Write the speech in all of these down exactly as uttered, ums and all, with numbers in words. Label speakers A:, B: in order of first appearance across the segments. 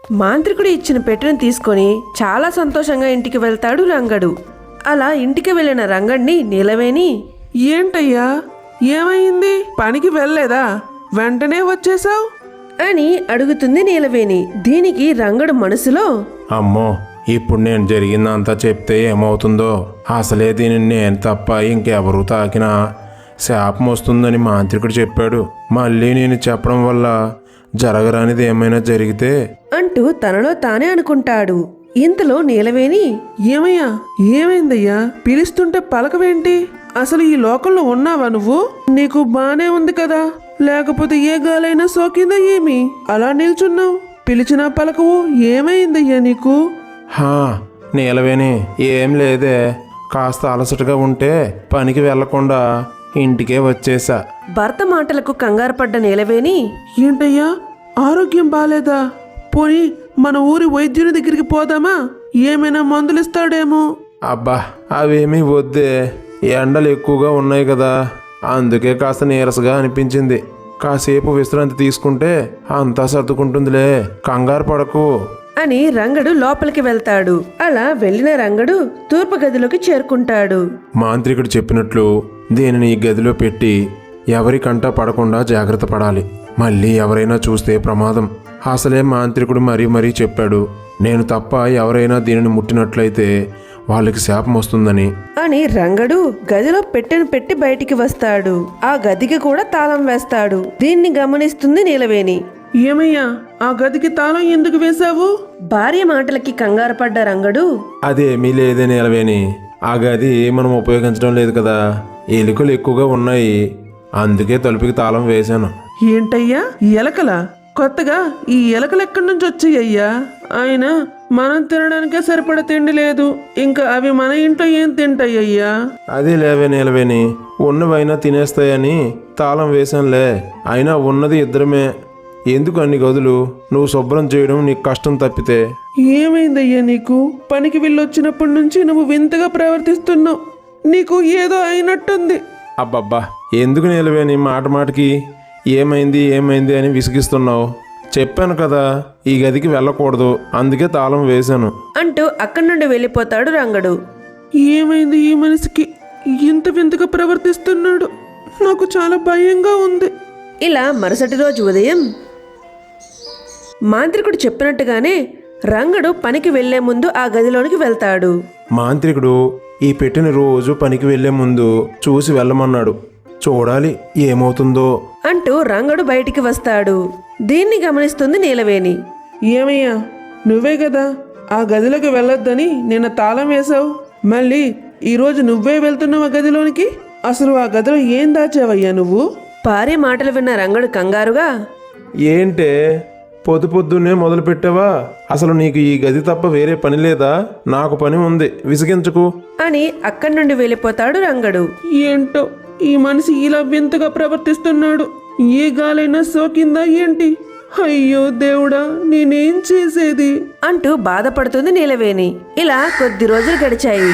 A: మాంత్రికుడు ఇచ్చిన పెట్టెను తీసుకొని చాలా సంతోషంగా ఇంటికి వెళ్తాడు రంగడు. అలా ఇంటికి వెళ్ళిన రంగడిని నీలవేణి,
B: ఏంటయ్యా ఏమైంది? పనికి వెళ్ళలేదా? వెంటనే వచ్చేసావు
A: అని అడుగుతుంది నీలవేణి. దీనికి రంగడు మనసులో,
C: అమ్మో, ఇప్పుడు నేను జరిగిందంతా చెప్తే ఏమవుతుందో, అసలే దీనిని నేను తప్ప ఇంకెవరూ తాకినా శాపం వస్తుందని మాంత్రికుడు చెప్పాడు. మళ్ళీ నేను చెప్పడం వల్ల జరగరానిది ఏమైనా జరిగితే
A: అంటూ తనలో తానే అనుకుంటాడు. ఇంతలో నీలవేణి,
B: ఏమయ్యా ఏమైందయ్యా? పిలుస్తుంటే పలకవేంటి? అసలు ఈ లోకంలో ఉన్నావా నువ్వు? నీకు బానే ఉంది కదా, లేకపోతే ఏ గాలైనా సోకిందా ఏమి? అలా నిల్చున్నావు, పిలిచినా పలకవు, ఏమైందయ్యా నీకు?
C: హా నీలవేణి, ఏం లేదే, కాస్త అలసటగా ఉంటే పనికి వెళ్లకుండా ఇంటికే వచ్చేసా.
A: భర్త మాటలకు కంగారు పడ్డ నీలవేణి,
B: ఏంటయ్యా ఆరోగ్యం బాలేదా? పోనీ మన ఊరి వైద్యుని దగ్గరికి పోదామా? ఏమైనా మందులు ఇస్తాడేమో.
C: అబ్బా అవేమీ వద్దే, ఎండలు ఎక్కువగా ఉన్నాయి కదా, అందుకే కాస్త నీరసగా అనిపించింది. కాసేపు విశ్రాంతి తీసుకుంటే అంతా సర్దుకుంటుందిలే, కంగారు పడకు
A: అని రంగడు లోపలికి వెళ్తాడు. అలా వెళ్ళిన రంగడు తూర్పు గదిలోకి చేరుకుంటాడు.
C: మాంత్రికుడు చెప్పినట్లు దీనిని ఈ గదిలో పెట్టి ఎవరి కంట పడకుండా జాగ్రత్త పడాలి. మళ్ళీ ఎవరైనా చూస్తే ప్రమాదం. అసలే మాంత్రికుడు మరీ మరీ చెప్పాడు, నేను తప్ప ఎవరైనా దీనిని ముట్టినట్లయితే వాళ్ళకి శాపం వస్తుందని.
A: అని రంగడు గదిలో పెట్టెను పెట్టి బయటికి వస్తాడు. ఆ గదికి కూడా తాళం వేస్తాడు. దీన్ని గమనిస్తుంది నీలవేణి.
B: ఏమయ్యా ఆ గదికి తాళం ఎందుకు వేశావు?
A: భార్య మాటలకి కంగారు పడ్డ రంగడు,
C: అదేమీ లేదే నీలవేణి, ఆ గది మనం ఉపయోగించడం లేదు కదా, ఎలుకలు ఎక్కువగా ఉన్నాయి, అందుకే తలుపుకి తాళం వేశాను.
B: ఏంటయ్యా ఎలకలా? కొత్తగా ఈ ఎలకలు ఎక్కడి నుంచి వచ్చాయ్యా? ఆయన మనం తినడానికే సరిపడ తిండి లేదు, ఇంకా అవి మన ఇంట్లో ఏం తింటాయ్యా?
C: అదే లేవే నీలవేణి, ఉన్నవైనా తినేస్తాయని తాళం వేశానులే. అయినా ఉన్నది ఇద్దరమే, ఎందుకు అన్ని గదులు? నువ్వు శుభ్రం చేయడం నీకు కష్టం తప్పితే.
B: ఏమైందయ్యా నీకు? పనికి వెళ్ళొచ్చినప్పటి నుంచి నువ్వు వింతగా ప్రవర్తిస్తున్నావు, నీకు ఏదో అయినట్టుంది.
C: అబ్బబ్బా, ఎందుకు నీలవేణి మాట మాటకి ఏమైంది ఏమైంది అని విసిగిస్తున్నావు? చెప్పాను కదా ఈ గదికి వెళ్ళకూడదు, అందుకే తాళం వేశాను
A: అంటూ అక్కడి నుండి వెళ్ళిపోతాడు రంగడు.
B: ఏమైంది ఈ మనిషికి? ఇంత వింతగా ప్రవర్తిస్తున్నాడు, నాకు చాలా భయంగా ఉంది.
A: ఇలా మరుసటి రోజు ఉదయం మాంత్రికుడు చెప్పినట్టుగానే రంగడు పనికి వెళ్లే ముందు ఆ గదిలోనికి వెళ్తాడు.
C: మాంత్రికుడు ఈ పెట్టిన రోజు పనికి వెళ్లే ముందు చూసి వెళ్ళమన్నాడు. చూడాలి ఏమవుతుందో
A: అంటూ రంగడు బయటికి వస్తాడు. దీన్ని గమనిస్తుంది నీలవేణి.
B: ఏమయ్యా నువ్వే కదా ఆ గదిలోకి వెళ్ళొద్దని నిన్న తాళం వేశావు, మళ్ళీ ఈరోజు నువ్వే వెళ్తున్నావు ఆ గదిలోనికి. అసలు ఆ గదిలో ఏం దాచావయ్యా నువ్వు?
A: భార్య మాటలు విన్న రంగడు కంగారుగా,
C: ఏంటే పొద్దు పొద్దున్నే మొదలు పెట్టావా? అసలు నీకు ఈ గది తప్ప వేరే పని లేదా? నాకు పని ఉంది, విసిగించకు
A: అని అక్కడి నుండి వెళ్ళిపోతాడు రంగడు.
B: ఏంటో ఈ మనిషి ఇలా వింతగా ప్రవర్తిస్తున్నాడు, ఏ గాలైనా సోకిందా ఏంటి? అయ్యో దేవుడా, నేనేం చేసేది
A: అంటూ బాధపడుతుంది నీలవేణి. ఇలా కొద్ది రోజులు గడిచాయి.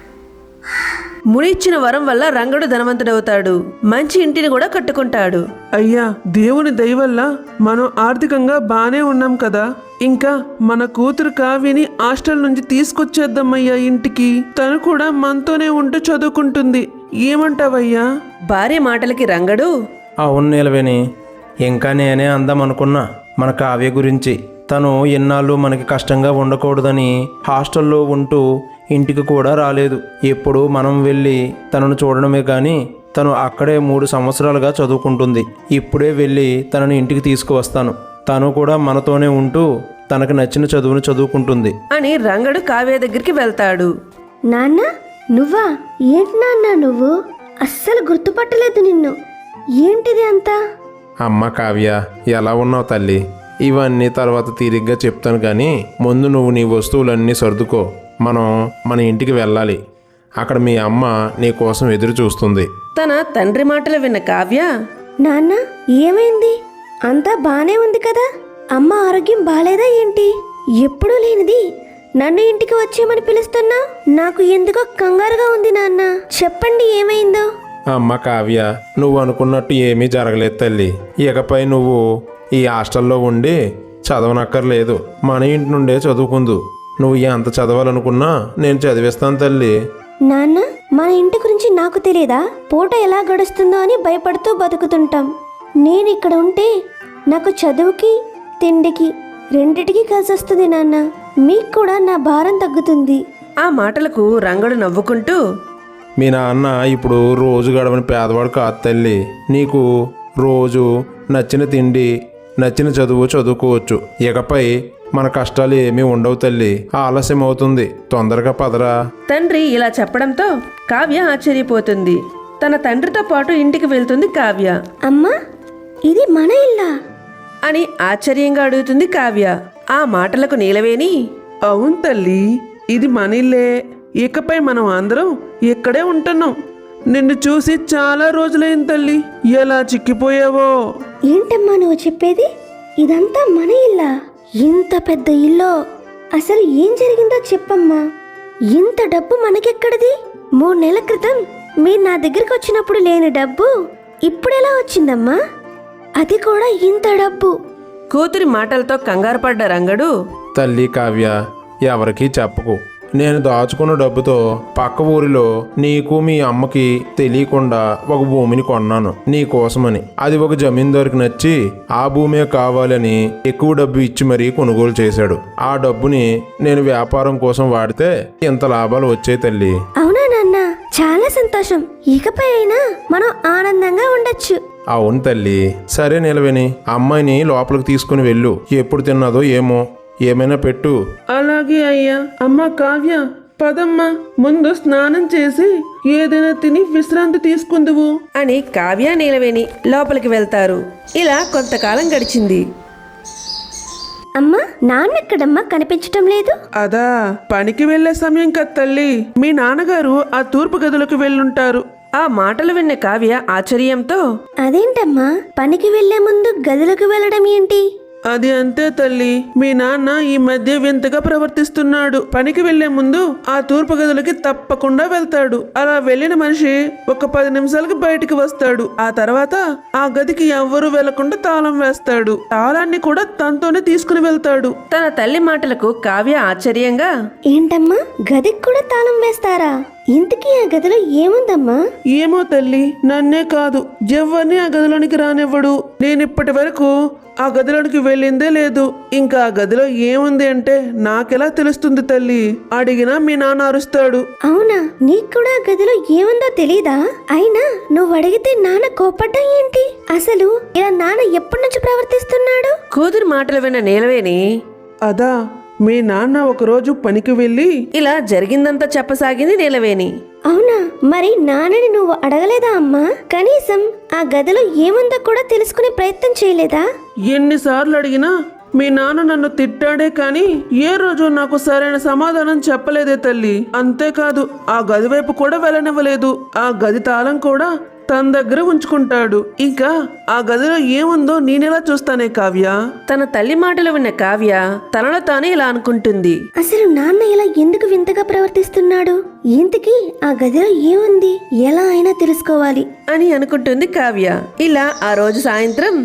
A: ముని ఇచ్చిన వరం వల్ల రంగడు ధనవంతుడవుతాడు. మంచి ఇంటిని కూడా కట్టుకుంటాడు.
B: అయ్యా దేవుని దయ వల్ల మనం ఆర్థికంగా బానే ఉన్నాం కదా, ఇంకా మన కూతురు కావ్యని హాస్టల్ నుంచి తీసుకొచ్చేద్దామయ్యా ఇంటికి. తను కూడా మనతోనే ఉంటూ చదువుకుంటుంది, ఏమంటావయ్యా?
A: భార్య మాటలకి రంగడు,
C: అవును నీలవేణి, ఇంకా నేనే అందామనుకున్నా మన కావ్య గురించి. తను ఎన్నాళ్ళు మనకి కష్టంగా ఉండకూడదని హాస్టల్లో ఉంటూ ఇంటికి కూడా రాలేదు. ఎప్పుడు మనం వెళ్ళి తనను చూడడమే కానీ తను అక్కడే మూడు సంవత్సరాలుగా చదువుకుంటుంది. ఇప్పుడే వెళ్ళి తనను ఇంటికి తీసుకువస్తాను, తను కూడా మనతోనే ఉంటూ తనకు నచ్చిన చదువును చదువుకుంటుంది
A: అని రంగడు కావ్య దగ్గరికి వెళ్తాడు.
D: నాన్న నువ్వా? ఏంటి నాన్న నువ్వు? అస్సలు గుర్తుపట్టలేదు నిన్ను, ఏంటిది అంతా?
C: అమ్మ కావ్య, ఎలా ఉన్నావు తల్లి? ఇవన్నీ తర్వాత తీరిగ్గా చెప్తాను కానీ ముందు నువ్వు నీ వస్తువులన్నీ సర్దుకో, మనం మన ఇంటికి వెళ్ళాలి. అక్కడ మీ అమ్మ నీ కోసం ఎదురు చూస్తుంది.
A: తన తండ్రి మాటలు విన్న కావ్య,
D: నాన్న ఏమైంది? అంతా బానే ఉంది కదా, అమ్మ ఆరోగ్యం బాలేదా ఏంటి? ఎప్పుడూ లేనిది నన్ను ఇంటికి వచ్చేయమని పిలుస్తున్నా, నాకు ఎందుకో కంగారుగా ఉంది నాన్న, చెప్పండి ఏమైందో.
C: అమ్మ కావ్య, నువ్వు అనుకున్నట్టు ఏమీ జరగలేదు తల్లి. ఇకపై నువ్వు ఈ హాస్టల్లో ఉండి చదవనక్కర్లేదు, మన ఇంటి నుండే చదువుకుందు. నువ్వు ఎంత చదవాలనుకున్నా నేను చదివిస్తాను తల్లి.
D: నాన్న, మన ఇంటి గురించి నాకు తెలియదా? పూట ఎలా గడుస్తుందో అని భయపడుతూ బతుకుతుంటాం. నేను ఇక్కడ ఉంటే నాకు చదువుకి తిండికి రెండిటికి కలిసి వస్తుంది నాన్న. మీకు కూడా నా భారం తగ్గుతుంది.
A: ఆ మాటలకు రంగడు నవ్వుకుంటూ,
C: మీ నాన్న ఇప్పుడు రోజు గడవని పేదవాడు కాదు తల్లి. నీకు రోజు నచ్చిన తిండి, నచ్చిన చదువు చదువుకోవచ్చు. ఇకపై మన కష్టాలు ఏమీ ఉండవు తల్లి. ఆలస్యం అవుతుంది, తొందరగా పదరా.
A: తండ్రి ఇలా చెప్పడంతో కావ్య ఆశ్చర్యపోతుంది. తన తండ్రితో పాటు ఇంటికి వెళ్తుంది కావ్య.
D: అమ్మా, ఇది మన ఇల్లా?
A: అని ఆశ్చర్యంగా అడుగుతుంది కావ్య. ఆ మాటలకు నీలవేణి,
B: అవును తల్లి, ఇది మన ఇల్లే. ఇకపై మనం అందరం ఇక్కడే ఉంటున్నాం. నిన్ను చూసి చాలా రోజులైంది తల్లి. ఎలా చిక్కిపోయావో.
D: ఏంటమ్మా నువ్వు చెప్పేది? ఇదంతా మన ఇల్లా? ఇంత పెద్ద ఇల్లు. అసలు ఏం జరిగిందో చెప్పమ్మా. ఇంత డబ్బు మనకెక్కడిది? మూడు నెలల క్రితం మీరు నా దగ్గరికి వచ్చినప్పుడు లేని డబ్బు ఇప్పుడెలా వచ్చిందమ్మా? అది కూడా ఇంత డబ్బు.
A: కూతురి మాటలతో కంగారు పడ్డ రంగడు,
C: తల్లి కావ్య, ఎవరికీ చెప్పకు. నేను దాచుకున్న డబ్బుతో పక్క ఊరిలో నీకు మీ అమ్మకి తెలియకుండా ఒక భూమిని కొన్నాను నీ కోసమని. అది ఒక జమీందారుకి నచ్చి ఆ భూమే కావాలని ఎక్కువ డబ్బు ఇచ్చి మరీ కొనుగోలు చేశాడు. ఆ డబ్బుని నేను వ్యాపారం కోసం వాడితే ఇంత లాభాలు వచ్చాయి తల్లి.
D: అవునా నాన్న? చాలా సంతోషం. ఇకపై అయినా మనం ఆనందంగా ఉండొచ్చు.
C: అవును తల్లి. సరే నిలవేని, అమ్మాయిని లోపలికి తీసుకుని వెళ్ళు. ఎప్పుడు తిన్నదో ఏమో, ఏమైనా పెట్టు.
B: అలాగే అయ్యా. అమ్మ కావ్య, పదమ్మా, ముందు స్నానం చేసి ఏదైనా తిని విశ్రాంతి తీసుకుందువు
A: అని కావ్య నీలవేణి లోపలికి వెళ్తారు. ఇలా కొంతకాలం గడిచింది.
D: అమ్మా, నాన్నెక్కడమ్మా కనిపించటం లేదు?
B: అదా, పనికి వెళ్లే సమయం కదా తల్లి. మీ నాన్నగారు ఆ తూర్పు గదులకు వెళ్ళుంటారు.
A: ఆ మాటలు విన్న కావ్య ఆశ్చర్యంతో,
D: అదేంటమ్మా, పనికి వెళ్లే ముందు గదిలోకి వెళ్ళడం ఏంటి?
B: అది అంతే తల్లి. మీ నాన్న ఈ మధ్య వింతగా ప్రవర్తిస్తున్నాడు. పనికి వెళ్లే ముందు ఆ తూర్పు గదులకి తప్పకుండా వెళ్తాడు. అలా వెళ్ళిన మనిషి ఒక పది నిమిషాలకి బయటికి వస్తాడు. ఆ తర్వాత ఆ గదికి ఎవ్వరూ వెళ్లకుండా తాళం వేస్తాడు. తాళాన్ని కూడా తనతోనే తీసుకుని వెళ్తాడు.
A: తన తల్లి మాటలకు కావ్య ఆశ్చర్యంగా,
D: ఏంటమ్మా, గదికి కూడా తాళం వేస్తారా? ఇంతకీ ఆ గదిలో ఏముందమ్మా?
B: ఏమో తల్లి, నన్నే కాదు ఎవరిని ఆ గదిలోనికి రానివ్వడు. నేనిప్పటి వరకు ఆ గదిలోనికి వెళ్ళిందే లేదు. ఇంకా ఆ గదిలో ఏముంది అంటే నాకెలా తెలుస్తుంది తల్లి? అడిగినా మీ నాన్న అరుస్తాడు.
D: అవునా? నీకు కూడా ఆ గదిలో ఏముందో తెలీదా? అయినా నువ్వు అడిగితే నాన్న కోపడ్డం ఏంటి? అసలు ఇలా నాన్న ఎప్పటి నుంచి ప్రవర్తిస్తున్నాడు?
A: కూతురి మాటలు విన్న నీలవేణి,
B: అదా, మీ నాన్న ఒకరోజు పనికి వెళ్ళి
A: ఇలా జరిగిందంతా చెప్పసాగింది నీలవేణి.
D: అవునా? మరి నాన్నని నువ్వు అడగలేదా అమ్మా? కనీసం ఆ గదిలో ఏముందో కూడా తెలుసుకునే ప్రయత్నం చేయలేదా?
B: ఎన్నిసార్లు అడిగినా మీ నాన్న నన్ను తిట్టాడే కానీ ఏ రోజు నాకు సరైన సమాధానం చెప్పలేదే తల్లి. అంతేకాదు ఆ గది వైపు కూడా వెళ్ళనివ్వలేదు. ఆ గది తాళం కూడా తన దగ్గర ఉంచుకుంటాడు. ఇంకా ఆ గదిలో ఏముందో నేనెలా చూస్తానే కావ్య?
A: తన తల్లి మాటలు విన్న కావ్య తనలో తానే ఇలా అనుకుంటుంది.
D: అసలు నాన్న ఇలా ఎందుకు వింతగా ప్రవర్తిస్తున్నాడు? ఇంతకీ ఆ గదిలో ఏముంది? ఎలా అయినా తెలుసుకోవాలి
A: అని అనుకుంటుంది కావ్య. ఇలా ఆ రోజు సాయంత్రం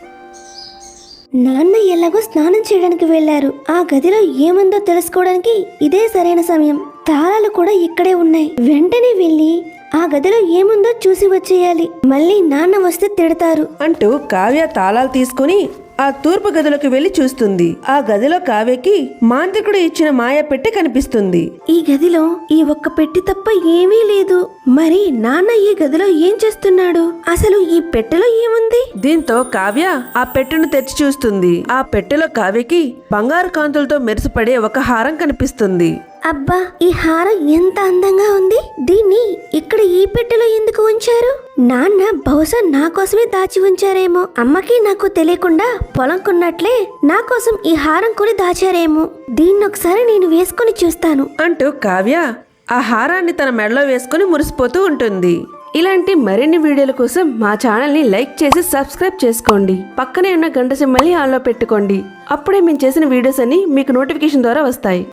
D: నాన్న ఎలాగో స్నానం చేయడానికి వెళ్లారు. ఆ గదిలో ఏముందో తెలుసుకోవడానికి ఇదే సరైన సమయం. తాళాలు కూడా ఇక్కడే ఉన్నాయి. వెంటనే వెళ్ళి ఆ గదిలో ఏముందో చూసి వచ్చేయాలి. మళ్ళీ నాన్న వస్తే తిడతారు
A: అంటూ కావ్య తాళాలు తీసుకుని ఆ తూర్పు గదిలోకి వెళ్లి చూస్తుంది. ఆ గదిలో కావ్యకి మాంత్రికుడు ఇచ్చిన మాయ పెట్టి కనిపిస్తుంది.
D: ఈ గదిలో ఈ ఒక్క పెట్టి తప్ప ఏమీ లేదు. మరి నాన్న ఈ గదిలో ఏం చేస్తున్నాడు? అసలు ఈ పెట్టెలో ఏముంది?
A: దీంతో కావ్య ఆ పెట్టెను తెరిచి చూస్తుంది. ఆ పెట్టెలో కావ్యకి బంగారు కాంతులతో మెరిసిపడే ఒక హారం కనిపిస్తుంది.
D: అబ్బా, ఈ హారం ఎంత అందంగా ఉంది. దీన్ని ఇక్కడ ఈ పెట్టెలో ఎందుకు ఉంచారు? నాన్న బహుశా నా కోసమే దాచి ఉంచారేమో. అమ్మకి నాకు తెలియకుండా పొలం కొన్నట్లే నా కోసం ఈ హారం కొని దాచారేమో. దీన్ని ఒకసారి నేను వేసుకొని చూస్తాను
A: అంటూ కావ్య ఆ హారాన్ని తన మెడలో వేసుకుని మురిసిపోతూ ఉంటుంది. ఇలాంటి మరిన్ని వీడియోల కోసం మా ఛానల్ని లైక్ చేసి సబ్స్క్రైబ్ చేసుకోండి. పక్కనే ఉన్న గంట సింబల్ని ఆన్లో పెట్టుకోండి. అప్పుడే మేము చేసిన వీడియోస్ అన్ని మీకు నోటిఫికేషన్ ద్వారా వస్తాయి.